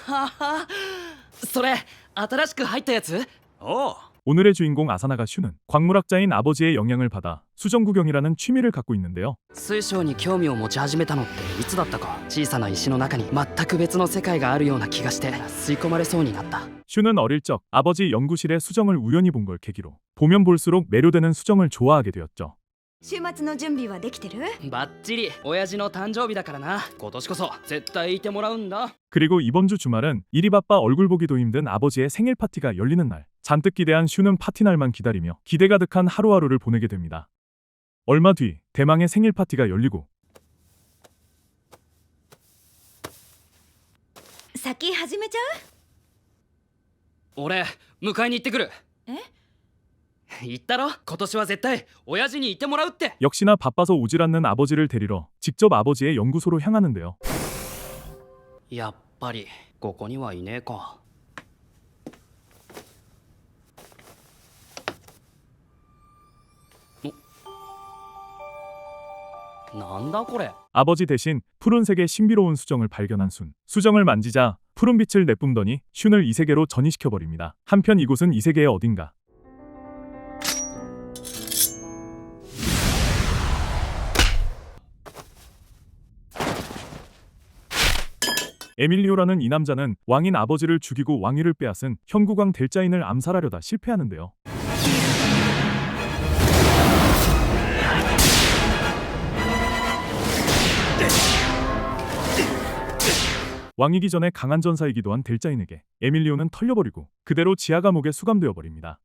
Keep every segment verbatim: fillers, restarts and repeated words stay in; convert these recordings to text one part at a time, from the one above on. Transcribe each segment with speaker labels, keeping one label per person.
Speaker 1: はそれ新しく入ったやつ？
Speaker 2: おう。
Speaker 3: 오늘의 주인공 아사나가 슈는 광물학자인 아버지의 영향을 받아 수정 구경이라는 취미를 갖고 있는데요.
Speaker 1: 水晶に興味を持ち始めたのっていつだったか。小さな石の中に全く別の世界があるような気がして吸い込まれそうになった。
Speaker 3: 슈는 어릴 적 아버지 연구실의 수정을 우연히 본 걸 계기로 보면 볼수록 매료되는 수정을 좋아하게 되었죠.
Speaker 4: 週末の準備はできてる？
Speaker 1: バッチリ。親父の誕生日だからな。今年こそ絶対いてもらうんだ。
Speaker 3: 그리고 이번 주 주말은 일이 바빠 얼굴 보기도 힘든 아버지의 생일 파티가 열리는 날. 잔뜩 기대한 슈는 파티 날만 기다리며 기대 가득한 하루하루를 보내게 됩니다. 얼마 뒤 대망의 생일 파티가 열리고
Speaker 4: 先始めちゃ
Speaker 1: 俺迎えに行ってくる。
Speaker 4: え？
Speaker 1: 言ったろ、今年は絶対親父にいてもらうって。
Speaker 3: 역시나 바빠서 오질 않는 아버지를 데리러 직접 아버지의 연구소로 향하는데요.
Speaker 1: やっぱりここにはいねえか。なんだこれ。
Speaker 3: 아버지 대신 푸른색의 신비로운 수정을 발견한 순. 수정을 만지자 푸른 빛을 내뿜더니 슌을 이 세계로 전이시켜버립니다. 한편 이곳은 이 세계의 어딘가. 에밀리오라는 이 남자는 왕인 아버지를 죽이고 왕위를 빼앗은 현국왕 델자인을 암살하려다 실패하는데요. 왕이기 전에 강한 전사이기도 한 델자인에게 에밀리오는 털려버리고 그대로 지하 감옥에 수감되어 버립니다.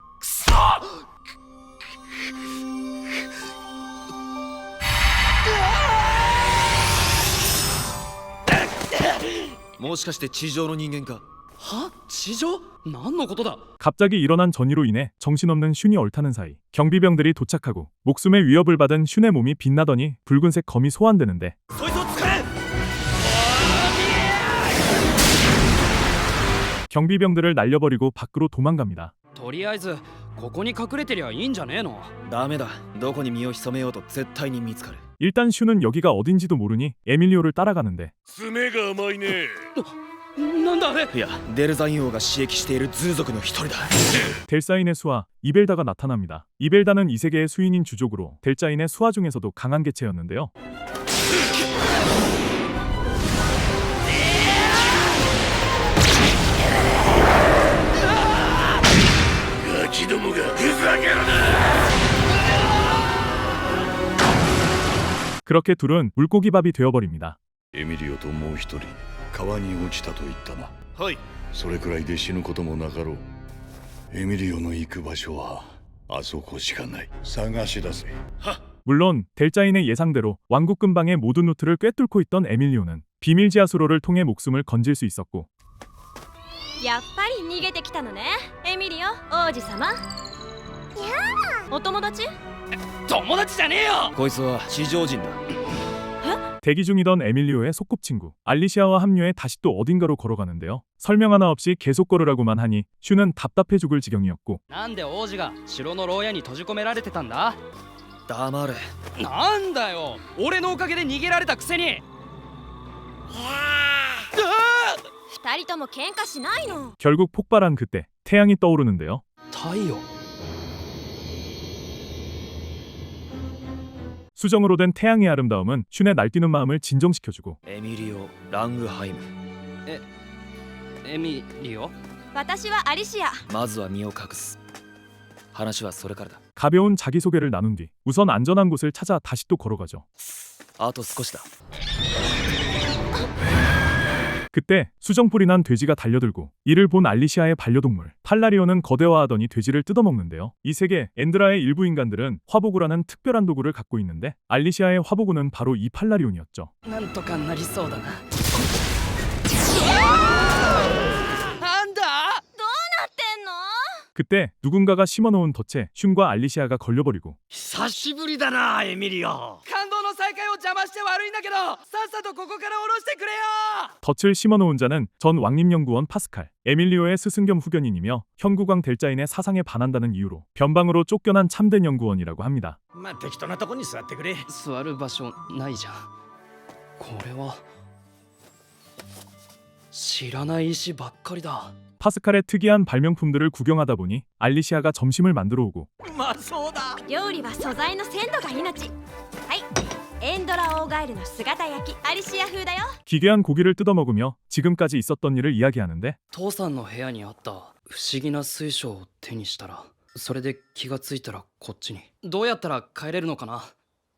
Speaker 2: もしかして地上の人間か。
Speaker 1: は？地上？何のことだ？
Speaker 3: 갑자기 일어난 전이로 인해 정신없는 슌이 얼타는 사이 경비병들이 도착하고 목숨의 위협을 받은 슌의 몸이 빛나더니 붉은색 검이 소환되는데
Speaker 2: そいつを使え。
Speaker 3: 경비병들을 날려버리고 밖으로 도망갑니다.
Speaker 1: とりあえずここに隠れてりゃいいんじゃねえの？
Speaker 2: ダメだ。どこに身を潜めようと絶対に見つかる。
Speaker 3: 일단 슌은 여기가 어딘지도 모르니 에밀리오를 따라가는데
Speaker 5: 爪が甘いね。
Speaker 1: なんだあれ。
Speaker 2: いや、デルザイン王が刺激しているズー族の一人だ。
Speaker 3: 델사인의 수하 이벨다가 나타납니다. 이벨다는 이 세계의 수인인 주족으로 델자인의 수하 중에서도 강한 개체였는데요. 그렇게 둘은 물고기밥이 되어버립니다.
Speaker 5: エミリオともう一人川に落ちたと言ったな。
Speaker 2: はい。
Speaker 5: それくらいで死ぬこともなかろう。エミリオの行く場所はあそこしかない。探し出せ。
Speaker 3: 물론 델자인의 예상대로 왕국 근방의 모든 루트를 꿰뚫고 있던 에밀리오는 비밀 지하 수로를 통해 목숨을 건질 수 있었고
Speaker 4: やっぱり逃げてきたのね、エミリオ王子様。やあ、お友達？
Speaker 1: 友達じゃねえよ。
Speaker 2: こいつは地上人だ。
Speaker 3: 대기 중이던 에밀리오의 소꿉친구 알리시아와 합류해 다시 또 어딘가로 걸어가는데요. 설명 하나 없이 계속 걸으라고만 하니 슈는 답답해 죽을 지경이었고
Speaker 1: なんで王子が城の牢屋に閉じ込められてたんだ？
Speaker 2: 黙れ。
Speaker 1: なんだよ、俺のおかげで逃げられたくせに。
Speaker 4: 二人とも喧嘩しないの。
Speaker 3: 결국 폭발한 그때 태양이 떠오르는데요.
Speaker 1: 太陽。
Speaker 3: 수정으로 된 태양의 아름다움은 슌의 날뛰는 마음을 진정시켜주고
Speaker 2: エミリオ・ラングハイム。
Speaker 1: エミリオ？
Speaker 4: 私はアリシア。
Speaker 2: まずは身を隠す。話はそれからだ。
Speaker 3: 가벼운 자기소개를 나눈 뒤 우선 안전한 곳을 찾아 다시 또 걸어가죠.
Speaker 2: あと少しだ。
Speaker 3: 그때 수정뿔이 난 돼지가 달려들고 이를 본 알리시아의 반려동물 팔라리오는 거대화하더니 돼지를 뜯어먹는데요. 이 세계 엔드라의 일부 인간들은 화보구라는 특별한 도구를 갖고 있는데 알리시아의 화보구는 바로 이 팔라리온이었죠.
Speaker 1: なんとかなりそうだな。なんだ？
Speaker 4: どうなってんの？
Speaker 3: 그때 누군가가 심어놓은 덫에 슌과 알리시아가 걸려버리고
Speaker 1: 久しぶりだな、エミリオ。感動の再会を邪魔して悪いんだけど、さっさとここから降ろしてくれよ。
Speaker 3: 덫을 심어놓은 자는 전 왕립연구원 파스칼, 에밀리오의 스승 겸 후견인이며 현국왕 델자인의 사상에 반한다는 이유로 변방으로 쫓겨난 참된 연구원이라고 합니다.
Speaker 6: まあ適当なとこに座ってくれ。
Speaker 1: 座る場所ないじゃん。これは知らない石ばっかりだ。
Speaker 3: 파스칼의 특이한 발명품들을 구경하다 보니 알리시아가 점심을 만들어 오고
Speaker 6: うまそうだ。
Speaker 4: 料理は素材の鮮度が命。はいエンドラオーガエルの姿焼きアリシア風だよ。
Speaker 3: 기괴한 고기를 뜯어 먹으며 지금까지 있었던 일을 이야기하는데
Speaker 1: 父さんの部屋にあった不思議な水晶を手にしたら、それで気がついたらこっちに。どうやったら帰れるのかな。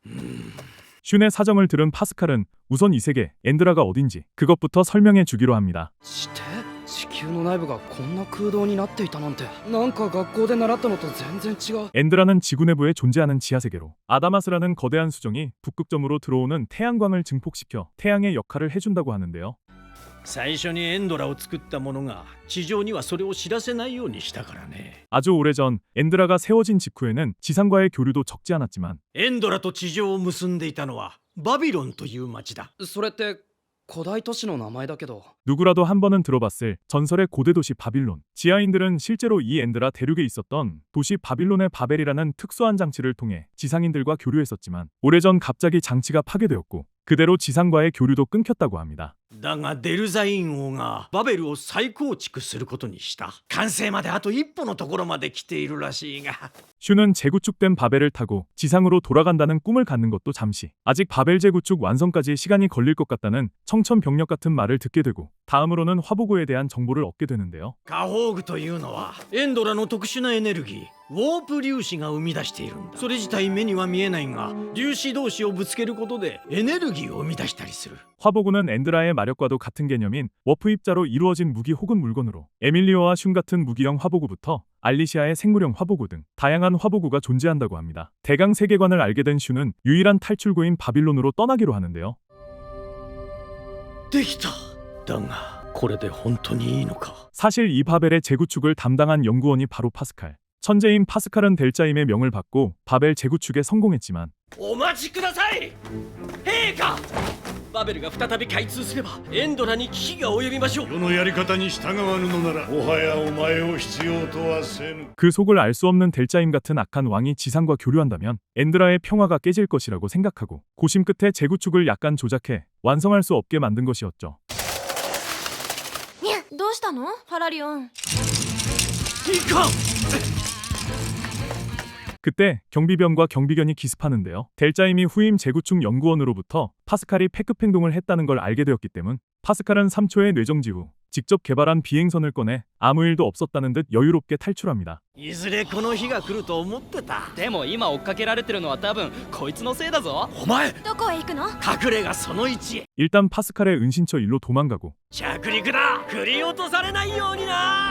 Speaker 3: 슌의 사정을 들은 파스칼은 우선 이 세계 엔드라가 어딘지 그것부터 설명해 주기로 합니다.
Speaker 1: して地球の内部がこんな空洞になっていたなんて、なんか学校で習ったのと全然違う。
Speaker 3: 엔드라는 지구 내부에 존재하는 지하세계로 아다마스라는 거대한 수정이 북극점으로 들어오는 태양광을 증폭시켜 태양의 역할을 해준다고 하는데요.
Speaker 6: 最初にエンドラを作った者が地上にはそれを知らせないようにしたからね。
Speaker 3: 아주 오래전 엔드라가 세워진 직후에는 지상과의 교류도 적지 않았지만
Speaker 6: エンドラと地上を結んでいたのはバビロンという町だ。
Speaker 1: それって古代都市の名前だけど。
Speaker 3: 누구라도 한 번은 들어봤을 전설의 고대 도시 바빌론. 지하인들은 실제로 이 엔드라 대륙에 있었던 도시 바빌론의 바벨이라는 특수한 장치를 통해 지상인들과 교류했었지만 오래전 갑자기 장치가 파괴되었고 그대로 지상과의 교류도 끊겼다고 합니다.
Speaker 6: だがデルザイン王がバベルを再構築することにした。完成まであと一歩のところまで来ているらしいが。
Speaker 3: 슈는 재구축된 바벨을 타고 지상으로 돌아간다는 꿈을 갖는 것도 잠시. 아직 바벨 재구축 완성까지 시간이 걸릴 것 같다는 청천벽력 같은 말을 듣게 되고 다음으로는 화보구에 대한 정보를 얻게 되는데요.
Speaker 6: カホーグというのはエンドラの特殊なエネルギーウォープ粒子が生み出しているんだ。それ自体目には見えないが粒子同士をぶつけることでエネルギーを生み出したりする。
Speaker 3: 화보구는 엔드라의 마력과도 같은 개념인 워프 입자로 이루어진 무기 혹은 물건으로 에밀리오와 슌 같은 무기형 화보구부터 알리시아의 생물형 화보구 등 다양한 화보구가 존재한다고 합니다. 대강 세계관을 알게 된 슌은 유일한 탈출구인 바빌론으로 떠나기로 하는데요.
Speaker 6: できた。だがこれで本当にいいのか。
Speaker 3: 사실 이 바벨의 재구축을 담당한 연구원이 바로 파스칼. 천재인 파스칼은 델자임의 명을 받고 바벨 재구축에 성공했지만
Speaker 6: お待ちください陛下。バベルが再び開通すればエンドラに危機が及びましょう。
Speaker 5: 世のやり方に従わぬのならもはやお前を必要とはせぬ。
Speaker 3: 그 속을 알 수 없는 델자임 같은 악한 왕이 지상과 교류한다면 엔드라의 평화가 깨질 것이라고 생각하고 고심 끝에 재구축을 약간 조작해 완성할 수 없게 만든 것이었죠.
Speaker 4: どうしたのファラリオン。
Speaker 6: いかん。
Speaker 3: 그때 경비병과 경비견이 기습하는데요. 델자임이 후임 재구축 연구원으로부터 파스칼이 패급 행동을 했다는 걸 알게 되었기 때문 파스칼은 삼 초의 뇌정지 후 직접 개발한 비행선을 꺼내 아무 일도 없었다는 듯 여유롭게 탈출합니다.
Speaker 6: いずれこの日が来ると思ってた。
Speaker 1: でも今追っかけられてるのは多分こいつのせいだぞ。
Speaker 6: お前
Speaker 4: どこへ行くの？
Speaker 6: 隠れがそのいち。
Speaker 3: 일단 파스칼의 은신처 일로 도망가고
Speaker 6: 着陸だ。振り落とされないようにな。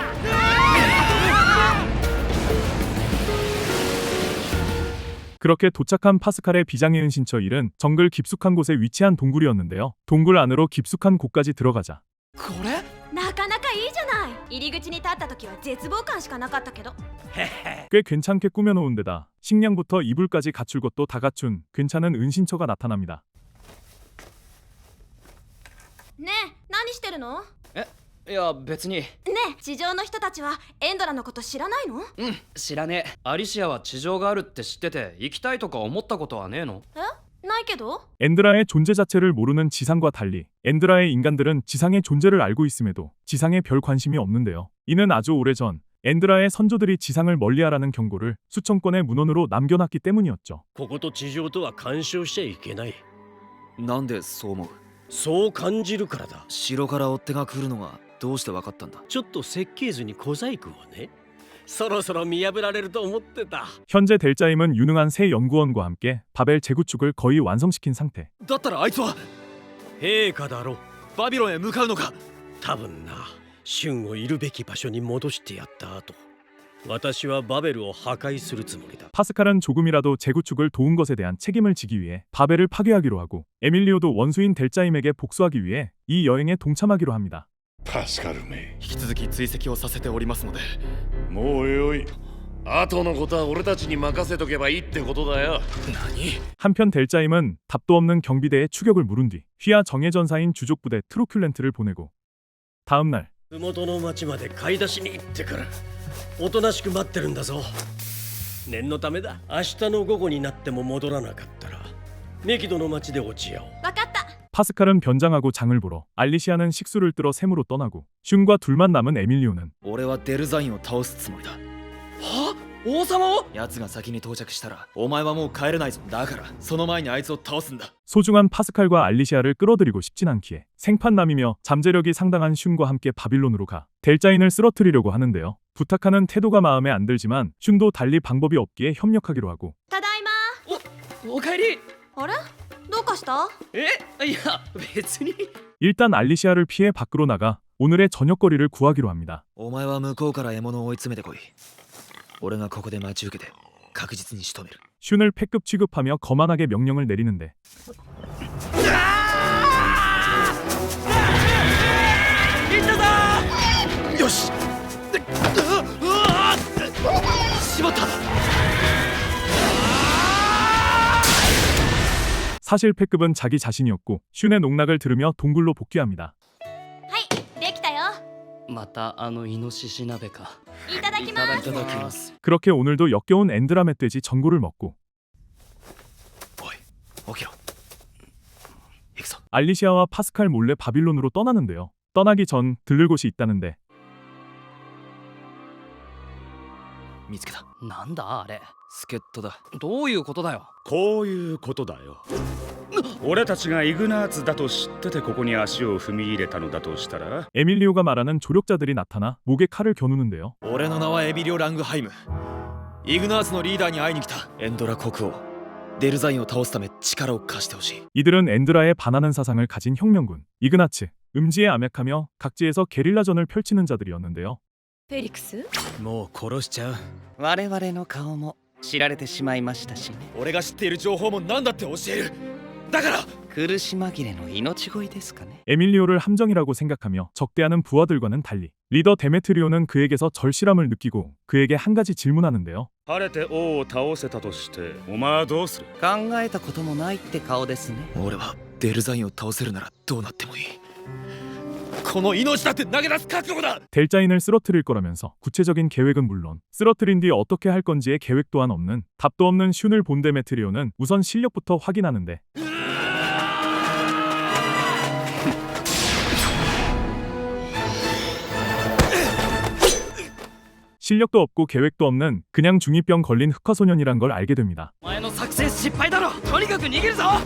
Speaker 3: 그렇게 도착한 파스칼의 비장의 은신처 일은 정글 깊숙한 곳에 위치한 동굴이었는데요. 동굴 안으로 깊숙한 곳까지 들어가자
Speaker 1: これ
Speaker 4: なかなかいいじゃない。入り口に立った時は絶望感しかなかったけど。
Speaker 6: へへ。
Speaker 3: 꽤 괜찮게 꾸며놓은 데다 식량부터 이불까지 갖출 것도 다 갖춘 괜찮은 은신처가 나타납니다.
Speaker 4: ねえ何してるの？
Speaker 1: いや別に。
Speaker 4: ねえ地上の人たちはエンドラのこと知らないの？
Speaker 1: うん知らねえ。アリシアは地上があるって知ってて行きたいとか思ったことはねえの？
Speaker 4: えないけど。
Speaker 3: 엔드라의 존재 자체를 모르는 지상과 달리 엔드라의 인간들은 지상의 존재를 알고 있음에도 지상에 별 관심이 없는데요. 이는 아주 오래전 엔드라의 선조들이 지상을 멀리하라는 경고를 수천 건의 문헌으로 남겨놨기 때문이었죠.
Speaker 6: ここと地上とは干渉しちゃいけない。
Speaker 2: なんでそう思う？
Speaker 6: そう感じるからだ。
Speaker 2: 城から追っ手が来るのがどうして分かったんだ？
Speaker 6: ちょっと設計図に小細工をね。そろそろ見破られると思ってた。
Speaker 3: 현재 델자임은 유능한 새 연구원과 함께 바벨 재구축을 거의 완성시킨 상태.
Speaker 2: だったらあいつは
Speaker 6: 陛下だろ。
Speaker 2: バビロンへ向かうのか？
Speaker 6: 多分な。春をいるべき場所に戻してやった後、私はバベルを破壊するつもりだ。
Speaker 3: 파스칼은 조금이라도 재구축을 도운 것에 대한 책임을 지기 위해 바벨을 파괴하기로 하고 에밀리오도 원수인 델자임에게 복수하기 위해 이 여행에 동참하기로 합니다.
Speaker 5: パスカルめ、
Speaker 2: 引き続き追跡をさせておりますので。
Speaker 5: もうよい。後のことは俺たちに任せとけばいいってことだよ。
Speaker 2: 何？
Speaker 3: 한편 델자임은 답도 없는 경비대에 추격을 물은 뒤 휘하 정예 전사인 주족 부대 트로큘렌트를 보내고 다음 날
Speaker 6: 麓の町まで買い出しに行ってくる。おとなしく待ってるんだぞ。念のためだ。明日の午後になっても戻らなかったらメキドの町で落ち合おう。
Speaker 4: わかった。
Speaker 3: 파스칼은 변장하고 장을 보러, 알리시아는 식수를 뜨러 샘으로 떠나고 슌과 둘만 남은 에밀리오는
Speaker 2: 俺はデルザインを倒すつもりだ。
Speaker 1: は王様を
Speaker 2: 奴が先に到着したらお前はもう帰れないぞ。だからその前にあいつを倒すんだ。
Speaker 3: 소중한 파스칼과 알리시아를 끌어들이고 싶진 않기에 생판남이며 잠재력이 상당한 슌과 함께 바빌론으로 가 델자인을 쓰러뜨리려고 하는데요. 부탁하는 태도가 마음에 안 들지만 슌도 달리 방법이 없기에 협력하기로 하고
Speaker 4: ただいま。
Speaker 1: おかえり。
Speaker 4: あれどうかした？
Speaker 1: えいや別に。
Speaker 3: 일단 알리시아를 피해 밖으로 나가 오늘의 저녁거리를 구하기로 합니다.
Speaker 2: お前は向こうから獲物を追い詰めてこい。俺がここで待ち受けて確実に仕留める。
Speaker 3: 슌을 패급 취급하며 거만하게 명령을 내리는데
Speaker 2: よし。うわしまった。
Speaker 3: 사실 패급은 자기 자신이었고 슌의 농락을 들으며 동굴로 복귀합니다.
Speaker 4: はいできたよ。
Speaker 1: またあのイノシシ鍋か。
Speaker 4: いただきま
Speaker 1: い
Speaker 4: す。
Speaker 1: ただきます。
Speaker 3: 그렇게 오늘도 역겨운 엔드라 멧돼지 전골을 먹고
Speaker 2: おい起きろ。行くぞ。
Speaker 3: 알리시아와 파스칼 몰래 바빌론으로 떠나는데요. 떠나기 전 들를 곳이 있다는데
Speaker 2: 見つけた。
Speaker 1: なんだあれ。
Speaker 2: 助っ人だ。
Speaker 1: どういうことだよ。
Speaker 7: こういうことだよ。俺たちがイグナーツだと知っててここに足を踏み入れたのだとしたら
Speaker 3: 에밀리오가 말하는 조력자들이 나타나 목에 칼을 겨누는데요.
Speaker 2: 俺の名はエビリオ・ラングハイム。イグナーツのリーダーに会いに来た。エンドラ国王デルザインを倒すため力を貸してほしい。
Speaker 3: 이들은 엔드라에 반하는 사상을 가진 혁명군 이그나츠, 음지에 암약하며 각지에서 게릴라전을 펼치는 자들이었는데요.
Speaker 4: フェリクス？
Speaker 6: もう殺しちゃう。
Speaker 8: 我々の顔も知られてしまいましたしね。
Speaker 2: 俺が知っている情報も何だって教える。だから
Speaker 8: 苦し紛れの命乞いですかね。
Speaker 3: 에밀리오를 함정이라고 생각하며 적대하는 부하들과는 달리 리더 데메트리오는 그에게서 절실함을 느끼고 그에게 한 가지 질문하는데요.
Speaker 7: 晴れて王を倒せたとしてお前はどうする？
Speaker 8: 考えたこともないって顔ですね。
Speaker 2: 俺はデルザインを倒せるならどうなってもいい。この命だって投げ出す覚悟だ。
Speaker 3: 델자인을 쓰러뜨릴 거라면서 구체적인 계획은 물론 쓰러뜨린 뒤 어떻게 할 건지의 계획 또한 없는 답도 없는 슌을 본 데메트리오는 우선 실력부터 확인하는데 실력도 없고 계획도 없는 그냥 중이병 걸린 흑화소년이란 걸 알게 됩니다.
Speaker 1: お前の作戦失敗だろ。とにかく逃げるぞ。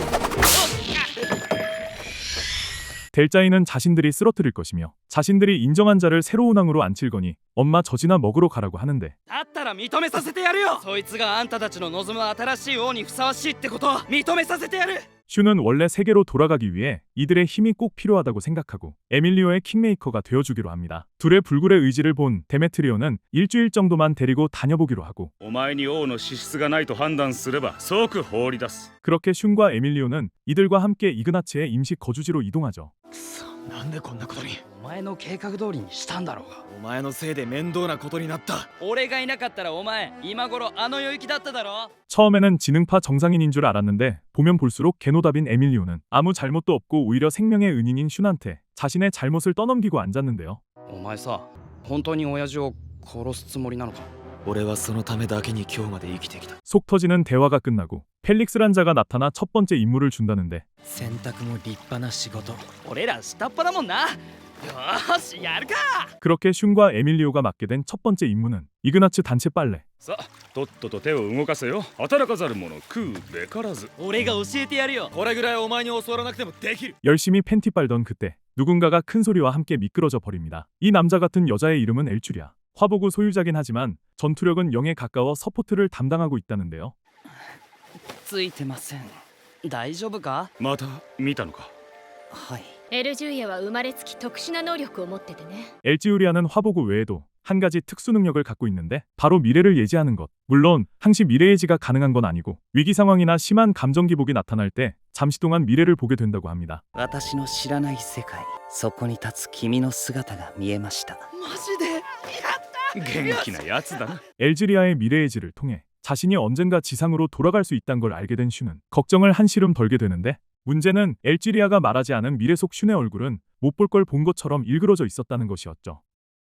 Speaker 3: 델자인은 자신들이 쓰러뜨릴 것이며 자신들이 인정한 자를 새로운 왕으로 앉힐 거니 엄마 젖이나 먹으러 가라고 하는데
Speaker 1: だったら認めさせてやるよ。そいつがあんたたちの望む新しい王にふさわしいってことを認めさせてやる。
Speaker 3: 슈는 원래 세계로 돌아가기 위해 이들의 힘이 꼭 필요하다고 생각하고 에밀리오의 킹메이커가 되어주기로 합니다. 둘의 불굴의 의지를 본 데메트리오는 일주일 정도만 데리고 다녀보기로 하고
Speaker 7: お前に王の資質がないと判断すれば即放り出す。
Speaker 3: 그렇게 슌과 에밀리오는 이들과 함께 이그나츠의 임시 거주지로 이동하죠.
Speaker 6: なんでこんなことに。
Speaker 1: お前の計画通りにしたんだろうが。
Speaker 2: お前のせいで面倒なことになった。
Speaker 1: 俺がいなかったらお前今頃あの領域だっただろ。
Speaker 3: 처음에는 지능파 정상인인 줄 알았는데 보면 볼수록 개노답인 에밀리오는 아무 잘못도 없고 오히려 생명의 은인인 슌한테 자신의 잘못을 떠넘기고 앉았는데요.
Speaker 1: お前さ、本当に親父を殺すつもりなのか。
Speaker 2: 俺はそのためだけに今日まで生きてきた。
Speaker 3: 속 터지는 대화가 끝나고 펠릭스란 자가 나타나 첫 번째 임무를 준다는데
Speaker 6: 洗濯も立派な仕事。
Speaker 1: 俺ら下っ端だもんな。よーしやるか。
Speaker 3: 그렇게 슌과 에밀리오가 맡게 된 첫 번째 임무는 이그나츠 단체 빨래.
Speaker 7: さあとっとと手を動かせよ。働かざる者食うべからず。
Speaker 1: 俺が教えてやるよ。
Speaker 2: これぐらいお前に教わらなくてもできる。
Speaker 3: 열심히 팬티 빨던 그때 누군가가 큰 소리와 함께 미끄러져 버립니다. 이 남자 같은 여자의 이름은 엘주리아. 화보구 소유자긴 하지만 전투력은 영에 가까워 서포트를 담당하고 있다는데요.
Speaker 8: ついてません。
Speaker 1: 大丈夫か。
Speaker 7: また見たのか。
Speaker 8: はい。
Speaker 4: エルジュイアは生まれつき特殊な能力を持っててね。
Speaker 3: 엘지우리아는 화보구 외에도 한 가지 특수 능력을 갖고 있는데 바로 미래를 예지하는 것. 물론 항시 미래 예지가 가능한 건 아니고 위기 상황이나 심한 감정 기복이 나타날 때 잠시 동안 미래를 보게 된다고 합니다.
Speaker 8: 私の知らない世界、そこに立つ君の姿が見えました。
Speaker 1: マジで。
Speaker 7: 元気なやつだな。
Speaker 3: 엘지리아의 미래 예지를 통해 자신이 언젠가 지상으로 돌아갈 수 있다는 걸 알게 된 슈는 걱정을 한시름 덜게 되는데 문제는 엘지리아가 말하지 않은 미래 속 슌의 얼굴은 못 볼 걸 본 것처럼 일그러져 있었다는 것이었죠.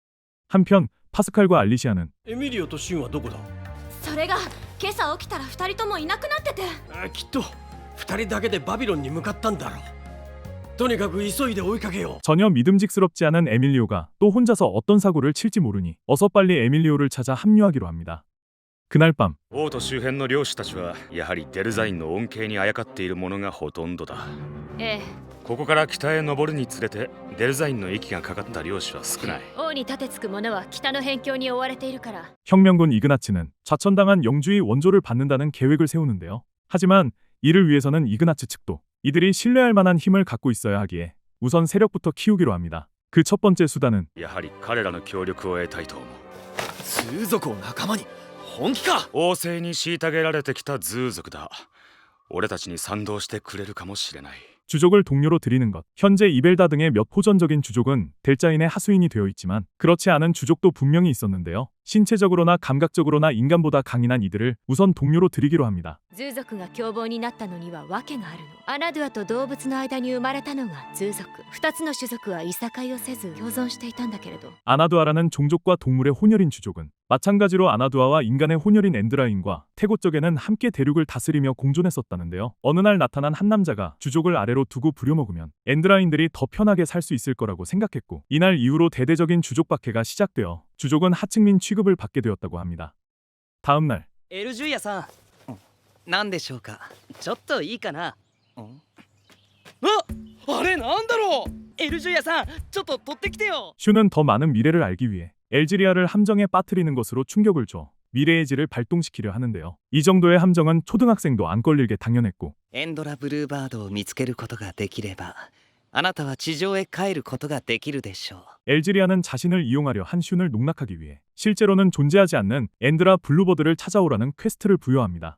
Speaker 3: 한편 파스칼과 알리시아는
Speaker 6: エミリオとシンはどこだ？
Speaker 4: それが今朝起きたら二人ともいなくなってて。
Speaker 6: あきっと二人だけでバビロンに向かったんだろう。 とにかく急いで追いかけよ
Speaker 3: 전혀 믿음직스럽지 않은 에밀리오가 또 혼자서 어떤 사고를 칠지 모르니 어서 빨리 에밀리오를 찾아 합류하기로 합니다. 그날 밤
Speaker 7: 王都周辺の漁師たちはやはりデルザインの恩恵にあやかっているものがほとんどだ。
Speaker 4: ええ、
Speaker 7: ここから北へ登るにつれてデルザインの息がかかった漁師は少ない。
Speaker 4: 王に立てつく者は北の辺境に追われているから。
Speaker 3: 혁명군 이그나츠는 좌천당한 영주의 원조를 받는다는 계획을 세우는데요. 하지만 이를 위해서는 이그나츠 측도 이들이 신뢰할 만한 힘을 갖고 있어야 하기에 우선 세력부터 키우기로 합니다. 그 첫 번째 수단은
Speaker 7: やはり彼らの協力を得たいと思う。
Speaker 2: 通族を仲間に本気か。
Speaker 7: 王政に虐げられてきたズー族だ。俺たちに賛同してくれるかもしれない。
Speaker 3: 주족을 동료로 들이는 것. 현재 이벨다 등의 몇 호전적인 주족은 델자인의 하수인이 되어 있지만 그렇지 않은 주족도 분명히 있었는데요. 신체적으로나 감각적으로나 인간보다 강인한 이들을 우선 동료로 들이기로 합니다.
Speaker 4: ズー族が凶暴になったのには訳があるの。アナドゥアと動物の間に生まれたのがズー族。二つの種族はいさかいをせず共存していたんだけれど。
Speaker 3: 아나두아라는 종족과 동물의 혼혈인 주족은 마찬가지로 아나두아와 인간의 혼혈인 엔드라인과 태고 쪽에는 함께 대륙을 다스리며 공존했었다는데요. 어느 날 나타난 한 남자가 주족을 아래로 두고 부려먹으면 엔드라인들이 더 편하게 살 수 있을 거라고 생각했고 이날 이후로 대대적인 주족 박해가 시작되어 주족은 하층민 취급을 받게 되었다고 합니다. 다음 날
Speaker 8: エルジュイヤさん、何でしょうか。ちょっといいかな。あ、あれなんだろう。エルジュイヤさん、ちょっと取ってきてよ。
Speaker 3: 슈는 더 많은 미래를 알기 위해 엘지리아를 함정에 빠뜨리는 것으로 충격을 줘 미래의 질을 발동시키려 하는데요. 이 정도의 함정은 초등학생도 안 걸릴게 당연했고
Speaker 8: エンドラブルーバードを見つけることができれば、あなたは地上へ帰ることができるでしょう。
Speaker 3: 엘지리아는 자신을 이용하려 한 슌을 농락하기 위해 실제로는 존재하지 않는 엔드라 블루버드를 찾아오라는 퀘스트를 부여합니다.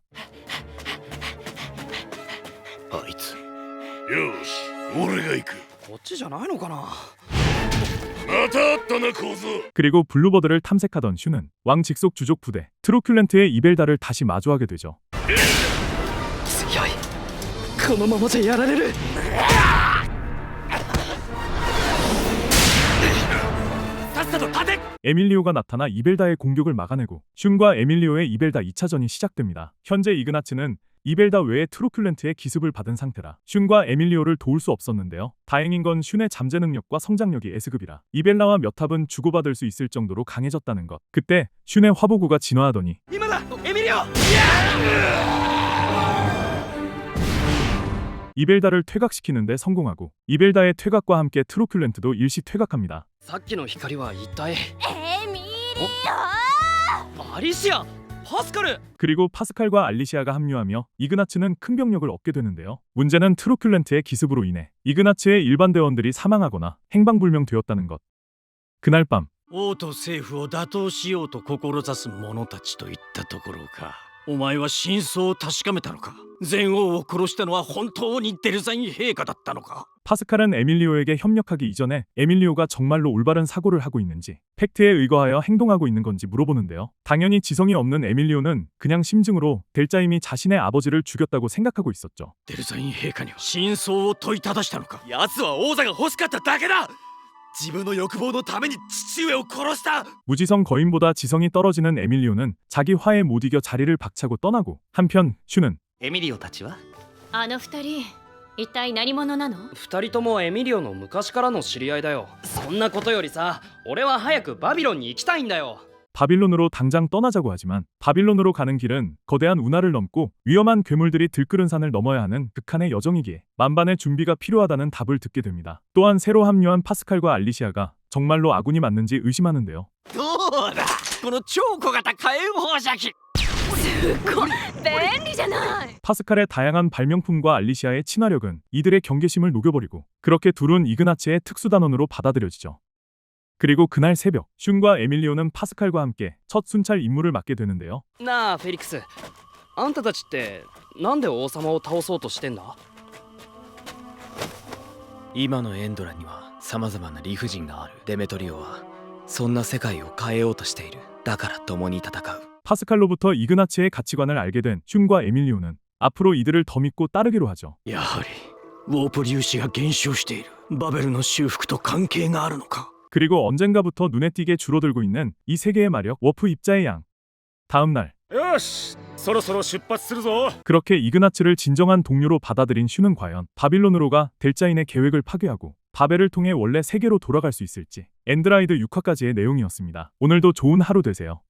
Speaker 2: あいつ
Speaker 5: よし俺が行く。
Speaker 1: こっちじゃないのかな。
Speaker 5: またあったな小僧。
Speaker 3: 그리고 블루버드를 탐색하던 슈는 왕 직속 주족 부대 트로큘렌트의 이벨다를 다시 마주하게 되죠.
Speaker 1: 強い。このままじゃやられる。
Speaker 3: 에밀리오가 나타나 이벨다의 공격을 막아내고 슌과 에밀리오의 이벨다 이 차전이 시작됩니다. 현재 이그나츠는 이벨다 외에 트로큘렌트의 기습을 받은 상태라 슌과 에밀리오를 도울 수 없었는데요. 다행인 건 슌의 잠재 능력과 성장력이 S급이라 이벨라와 몇 탑은 주고받을 수 있을 정도로 강해졌다는 것. 그때 슌의 화보구가 진화하더니
Speaker 8: 今だ、エミリオ。
Speaker 3: 이벨다를 퇴각시키는데 성공하고 이벨다의 퇴각과 함께 트로큘렌트도 일시 퇴각합니다.
Speaker 1: さっきの光は一体。
Speaker 4: エミリ
Speaker 1: アリシア、パスカル。
Speaker 3: 그리고 파스칼과 알리시아가 합류하며 이그나츠는 큰 병력을 얻게 되는데요. 문제는 트로큘렌트의 기습으로 인해 이그나츠의 일반 대원들이 사망하거나 행방불명되었다는 것. 그날 밤
Speaker 6: 王と政府を打倒しようと志す者たちといったところか。お前は真相を確かめたのか。前王を殺したのは本当にデルザイン陛下だったのか。
Speaker 3: 파스칼은 에밀리오에게 협력하기 이전에 에밀리오가 정말로 올바른 사고를 하고 있는지 팩트에 의거하여 행동하고 있는 건지 물어보는데요. 당연히 지성이 없는 에밀리오는 그냥 심증으로 델자임이 자신의 아버지를 죽였다고 생각하고 있었죠.
Speaker 6: デルザイン陛下には真相を問いただしたのか。
Speaker 2: 奴は王座が欲しかっただけだ。自分の欲望のために父上を殺した。
Speaker 3: 무지성 거인보다 지성이 떨어지는 에밀리오는 자기 화에 못 이겨 자리를 박차고 떠나고 한편 슈는
Speaker 8: エミリオたちは。
Speaker 4: あの二人一体何者なの。
Speaker 1: 二人ともエミリオの昔からの知り合いだよ。そんなことよりさ、俺は早くバビロンに行きたいんだよ。
Speaker 3: 바빌론으로 당장 떠나자고 하지만 바빌론으로 가는 길은 거대한 운하를 넘고 위험한 괴물들이 들끓은 산을 넘어야 하는 극한의 여정이기에 만반의 준비가 필요하다는 답을 듣게 됩니다. 또한 새로 합류한 파스칼과 알리시아가 정말로 아군이 맞는지 의심하는데요.
Speaker 6: どうだこの超小型火炎放射器。
Speaker 4: すごい便利じゃない。
Speaker 3: 파스칼의 다양한 발명품과 알리시아의 친화력은 이들의 경계심을 녹여버리고 그렇게 둘은 이그나츠의 특수단원으로 받아들여지죠. 그리고 그날 새벽 슌과 에밀리오는 파스칼과 함께 첫 순찰 임무를 맡게 되는데요.
Speaker 1: なあフェリックス、あんたたちってなんで王様を倒そうとしてんだ。
Speaker 2: 今のエンドラには様々な理不尽がある。デメトリオはそんな世界を変えようとしている。だから共に戦う。
Speaker 3: 파스칼로부터 이그나츠의 가치관을 알게 된 슌과 에밀리오는 앞으로 이들을 더 믿고 따르기로 하죠.
Speaker 6: やはりウォープ粒子が減少している。バベルの修復と関係があるのか。
Speaker 3: 그리고 언젠가부터 눈에 띄게 줄어들고 있는 이 세계의 마력 워프 입자의 양. 다음 날
Speaker 7: よしそろそろ出発するぞ。
Speaker 3: 그렇게 이그나츠를 진정한 동료로 받아들인 슈는 과연 바빌론으로 가 델자인의 계획을 파괴하고 바벨을 통해 원래 세계로 돌아갈 수 있을지 엔드라이드 육 화까지의 내용이었습니다. 오늘도 좋은 하루 되세요.